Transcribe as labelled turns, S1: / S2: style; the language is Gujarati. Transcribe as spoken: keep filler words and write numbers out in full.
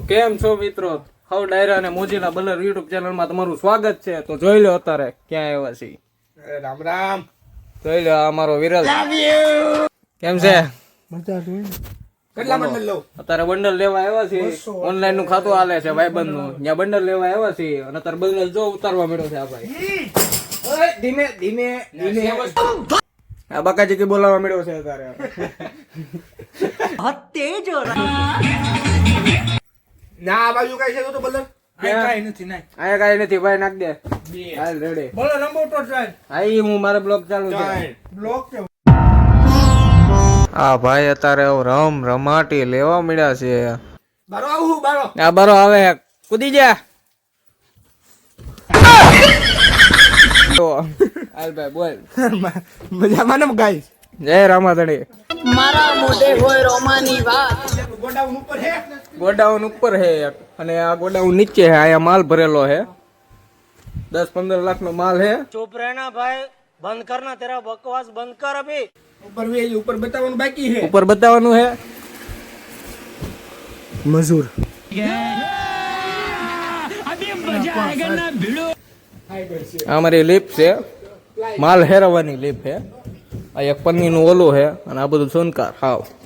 S1: કેમ છો મિત્રો? હવ ડાયરા અને મોજીલા બલર યુટ્યુબ ચેનલમાં તમારું સ્વાગત છે. તો જોઈ લો અત્યારે ક્યાં આવ્યા છીએ.
S2: રામ રામ.
S1: જોઈ લો અમારો વિરલ. કેમ છે?
S2: કેટલા બંડલ લઉં?
S1: અત્યારે બંડલ લેવા આવ્યા છીએ. ઓનલાઈન નું ખાતું હાલે છે ભાઈબંધ નું. ત્યાં બંડલ લેવા આવ્યા છીએ અને અત્યારે બંડલ જો ઉતારવા મળ્યો છે આ ભાઈ. ઓય ધીમે ધીમે ધીમે. આ બકાજી કે બોલાવવા મળ્યો છે અત્યારે.
S3: તેજ
S2: ના આ બાજુ કઈ છે તો બંડલ?
S3: કઈ નથી નાખ.
S1: આયા કાઈ નથી ભાઈ, નાખ દે. હાલ રેડી.
S3: બોલો નંબર તો ટ્રાય.
S1: હા ઈ હું મારે બ્લોગ ચાલુ છે.
S3: બ્લોક કે
S1: આ ભાઈ અત્યારે રમ રમાટી લેવા મળ્યા છે.
S2: બારો આવું બારો.
S1: આ બારો આવે કૂદી જા. હાલ ભાઈ બોલ.
S2: મજામાં ને ગાઈસ?
S1: જય રામાધણી.
S4: મારા મોઢે હોય રોમાની વાત.
S2: ગોડાઉન ઉપર હે?
S1: ગોડાઉન ઉપર હે એક અને આ ગોડાઉન નીચે હે. અહીંયા માલ ભરેલો હે. દસ પંદર લાખ નો માલ હે.
S3: चुप रहना भाई, बंद करना तेरा बकवास बंद कर अभी.
S2: ઉપર વે ઉપર બતાવવાનું બાકી હે.
S1: ઉપર બતાવવાનું હે
S2: મજૂર.
S1: આ અમારી લીપ છે. માલ હેરવાની લીપ છે. આ એક પન્ની નું ઓલું હે અને આ બધું સોનકાર હાવ.